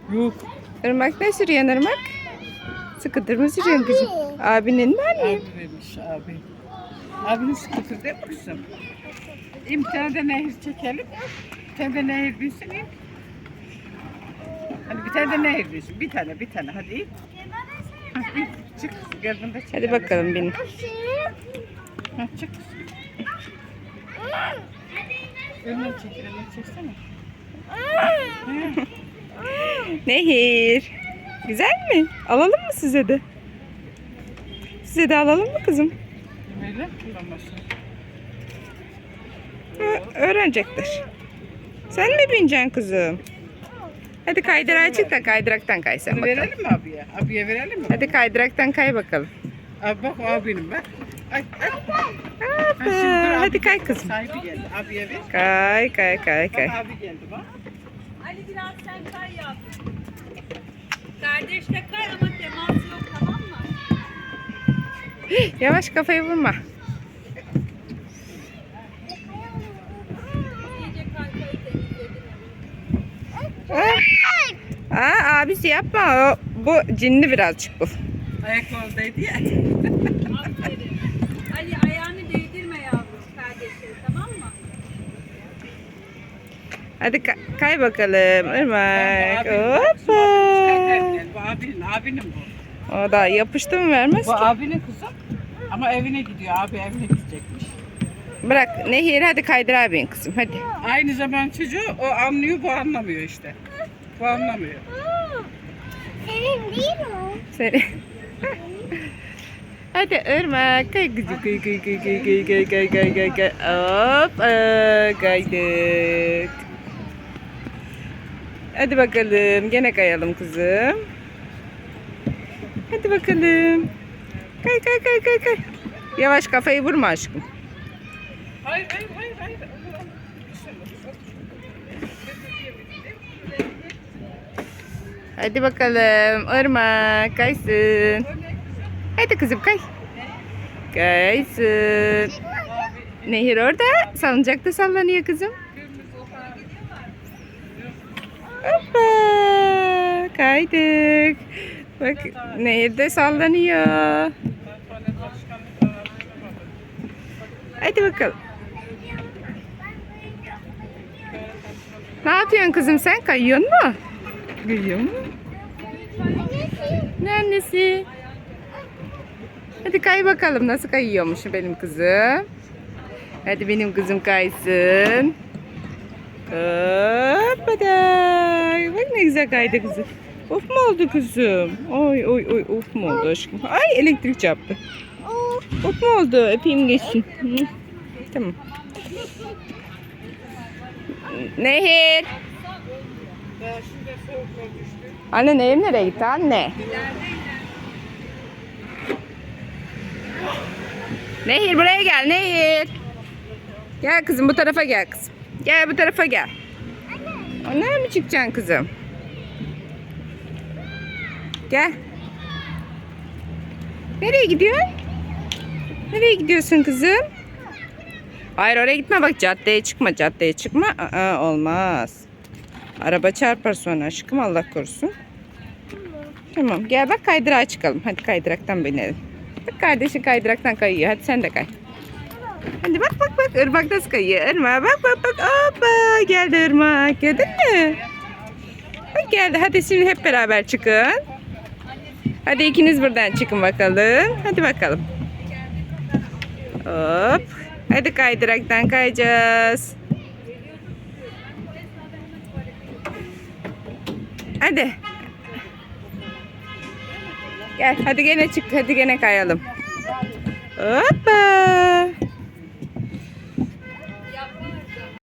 Yok. Irmak ne sürüyorsun Irmak? Scooter mı sürüyorsun kızım? Abinin mi anne? Abi vermiş abi. Abinin skuter değil mi kızım? Bir tane de nehir çekelim. Bir tane de nehir binsin. Hani bir tane de nehir binsin. Bir tane hadi in. Hadi çık. Gel bunu da çek. Hadi bakalım binin. Ha, çık. Önüne çeksene. Nehir. Güzel mi? Alalım mı size de? Size de alalım mı kızım? Böyle kullanmasın. Öğrenecektir. Sen mi bineceksin kızım? Hadi kaydırağa çık da kaydıraktan kay sen Bunu bakalım. verelim mi abiye? Abiye verelim mi? Hadi kaydıraktan kay bakalım. Abi bak o abinin bak. Ay. Hoppa. Hadi kay kızım. Sahibi geldi. Abiye ver. Kay kay kay Bak kay. abi geldi bak. Ali biraz sen kay yap. Kardeş de kay ama temas yok, tamam mı? Yavaş kafayı vurma. İyice kaykayı temizledin. Abisi yapma. Bu cinli birazcık bu. Ayaklardaydı ya. Aferin. Ali ayağını değdirme yavrum kardeşim, tamam mı? Hadi kay bakalım Irmak. Bu Hoppa. abinin bu. O da yapıştı mı vermez Bu ki. abinin kızım. Ama evine gidiyor. Abi evine gidecekmiş. Bırak Nehir hadi kaydır abin kızım hadi. Aynı zaman çocuğu o anlıyor, bu anlamıyor işte. Bu anlamıyor. Senin değil mi? Seni. Hadi Irmak kay kızım kay kay kay kay kay kay kay kay kay kay. Hop kaydık. Hadi bakalım gene kayalım kızım. Hadi bakalım. Kay kay kay kay kay. Yavaş kafayı vurma aşkım. Hayır. Hadi bakalım Irmak kaysın. Hadi kızım kay. Kaysın. Nehir orada salıncakta sallanıyor kızım. Hoppa kaydık. Bak Nehir de sallanıyor. Hadi bakalım. Ne yapıyorsun kızım sen? Kayıyor mu? Kayıyor mu? Ne annesi? Hadi kay bakalım nasıl kayıyormuş benim kızım. Hadi benim kızım kaysın. Hoppaday. Bak ne güzel kaydı kızım. Of mu oldu kızım? Oy of mu oldu aşkım? Ay elektrik çarptı. Of mu oldu? Öpeyim geçsin. Hı. Tamam. Nehir. Anne Nehir nereye gitti anne? Nehir buraya gel Nehir. Gel kızım bu tarafa gel kızım. Gel bu tarafa gel. Nereye mi çıkacaksın kızım? Gel. Nereye gidiyorsun? Nereye gidiyorsun kızım? Hayır oraya gitme bak caddeye çıkma. Olmaz. Araba çarpar sonra aşkım Allah korusun. Tamam gel bak kaydırağa çıkalım. Hadi kaydıraktan binelim. Bak kardeşin kaydıraktan kayıyor. Hadi sen de kay. Hadi bak Irmak nasıl kayıyor. Irmak bak. Hoppa geldi Irmak. Gördün mü? Bak geldi. Hadi şimdi hep beraber çıkın. Hadi ikiniz buradan çıkın bakalım. Hadi bakalım. Hop. Hadi kaydıraktan kayacağız. Hadi. Gel hadi gene çık. Hadi gene kayalım. Hoppa.